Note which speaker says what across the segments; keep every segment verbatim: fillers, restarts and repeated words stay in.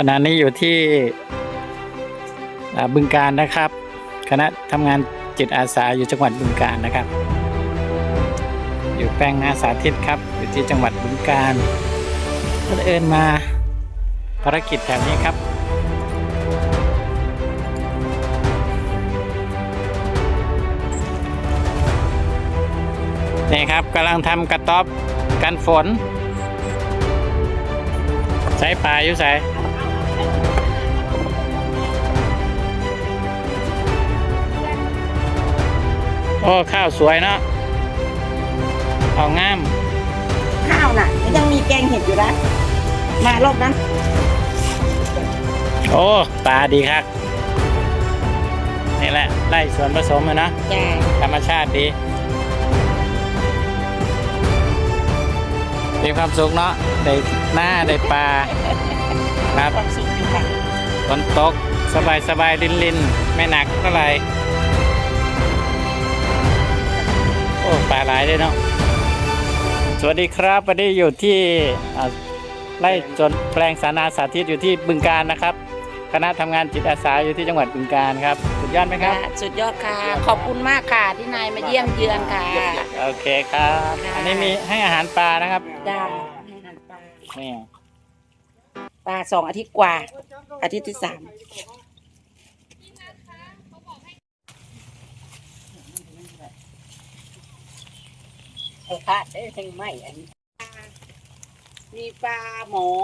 Speaker 1: ณะนี้อยู่ที่บึงกาฬนะครับคณะทำงานจิตอาสาอยู่จังหวัดบึงกาฬนะครับอยู่แปลงนาสาธิตครับอยู่ที่จังหวัดบึงกาฬก็เอิญมาภารกิจแถวนี้ครับนี่ครับกำลังทำกระต๊อบกันฝนใช้ปลาอยู่ใส่โอ้ข้าวสวยเนาะเอางาม
Speaker 2: ข้าวน่ะยังมีแกงเห็ดอยู่นะมารอบนั้น
Speaker 1: โอ้ปลาดีครับนี่แหละไล่ส่วนผสมเลยนะธรรมชาติดีมีความสุขเนาะได้หน้าได้ปลาครับฝนตกสบายสบายลินลินไม่หนักเท่าไหร่โอ้ปลาหลายเลยเนาะสวัสดีครับวันนี้อยู่ที่ไร่จนแปลงสานาสาธิตอยู่ที่บึงกาฬนะครับคณะทำงานจิตอาสาอยู่ที่จังหวัดบึงกาฬครับสุดยอดไหมครับ
Speaker 2: สุดยอดค่ะขอบคุณมากค่ะที่นายมาเยี่ยมเยือนค่ะ
Speaker 1: โอเคครับอันนี้มีให้อาหารปลานะครับ
Speaker 2: ได้ให้อาหารปลา
Speaker 1: นี่
Speaker 2: ปลาสองอาทิตย์กว่าอาทิตย์ที่สามไอ้ค่ะได้ทั้งไม่อันมีปลาหมอ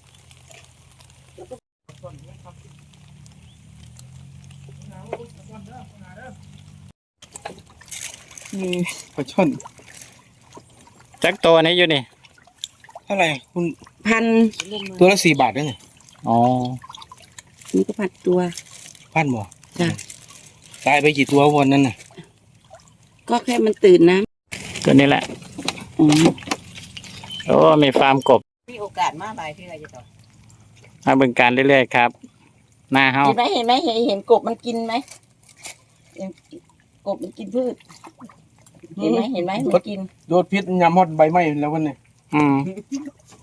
Speaker 3: นี่ปลาช่อน
Speaker 1: จักตัวนี้อยู่นี่
Speaker 3: เท่าไหร่คุณ
Speaker 2: พัน
Speaker 3: ตัวละสี่บาทได้ไง
Speaker 1: อ๋อ
Speaker 2: นี่ก็พันตัว
Speaker 3: พันบ่
Speaker 2: จ้ะ
Speaker 3: ตายไปกี่ตัววันนั้นน่ะ
Speaker 2: ก็แค่มันตื่นนะ
Speaker 1: ตัวนี้แหละ
Speaker 2: อืม
Speaker 1: โอ้มีฟาร์มกบ
Speaker 2: มีโอกาสมาบ่ายที่ไรจะต่อ
Speaker 1: มาบึงกาฬเรื่อยๆครับหน้าเฮา
Speaker 2: เห็นไหมเห็นไหมเห็นเห็นกบมันกินไหมกบมันกินพืชเห็นไหมเห็นไหมมันกิน
Speaker 3: โดนพิษยำฮอดใบไม้แล้ววันนี้
Speaker 1: อืม